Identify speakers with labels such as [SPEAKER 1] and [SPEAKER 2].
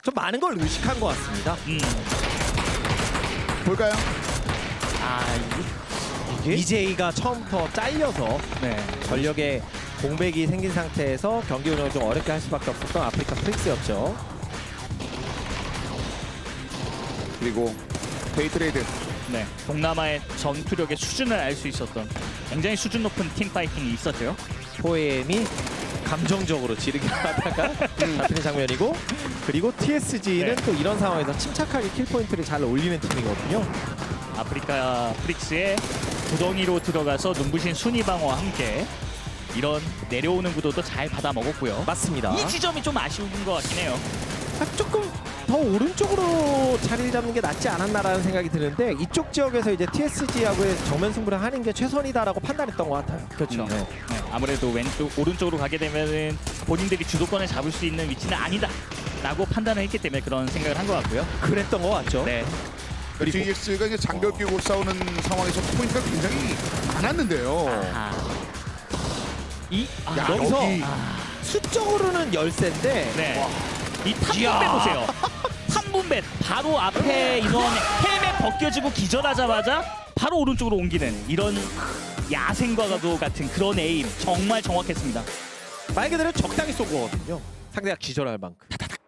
[SPEAKER 1] 좀 많은 걸 의식한 것 같습니다.
[SPEAKER 2] 볼까요?
[SPEAKER 1] 이게 EJ가 처음부터 잘려서
[SPEAKER 3] 네.
[SPEAKER 1] 전력에 공백이 생긴 상태에서 경기 운영을 좀 어렵게 할 수밖에 없었던 아프리카 프릭스였죠.
[SPEAKER 2] 그리고 데이트레이드.
[SPEAKER 3] 네. 동남아의 전투력의 수준을 알 수 있었던 굉장히 수준 높은 팀 파이팅이 있었죠.
[SPEAKER 1] 포엠이 감정적으로 지르기 하다가 잡히는 장면이고, 그리고 TSG는
[SPEAKER 3] 네.
[SPEAKER 1] 또 이런 상황에서 침착하게 킬 포인트를 잘 올리는 팀이거든요.
[SPEAKER 3] 아프리카 프릭스의 구덩이로 들어가서 눈부신 순위 방어와 함께 이런 내려오는 구도도 잘 받아 먹었고요.
[SPEAKER 1] 맞습니다.
[SPEAKER 3] 이 지점이 좀 아쉬운 것 같긴 해요.
[SPEAKER 1] 조금 더 오른쪽으로 자리를 잡는 게 낫지 않았나라는 생각이 드는데, 이쪽 지역에서 이제 TSG하고의 정면 승부를 하는 게 최선이다라고 판단했던 것 같아요.
[SPEAKER 3] 그렇죠.
[SPEAKER 1] 네.
[SPEAKER 3] 네, 아무래도 오른쪽으로 가게 되면은 본인들이 주도권을 잡을 수 있는 위치는 아니다라고 판단을 했기 때문에 그런 생각을 한 것 같고요.
[SPEAKER 1] 그랬던 것 같죠.
[SPEAKER 3] 네.
[SPEAKER 2] 그리고 GX가 이제 장벽 끼고 싸우는 상황에서 포인트가 굉장히 많았는데요. 야,
[SPEAKER 1] 여기서
[SPEAKER 2] 여기.
[SPEAKER 1] 수적으로는 열세인데
[SPEAKER 3] 네. 이 탐분배
[SPEAKER 1] 이야.
[SPEAKER 3] 보세요. 탐분배 바로 앞에 인원 헬멧 벗겨지고 기절하자마자 바로 오른쪽으로 옮기는 이런 야생과도 같은 그런 에임 정말 정확했습니다.
[SPEAKER 1] 말 그대로 적당히 쏜 거거든요. 상대가 기절할 만큼.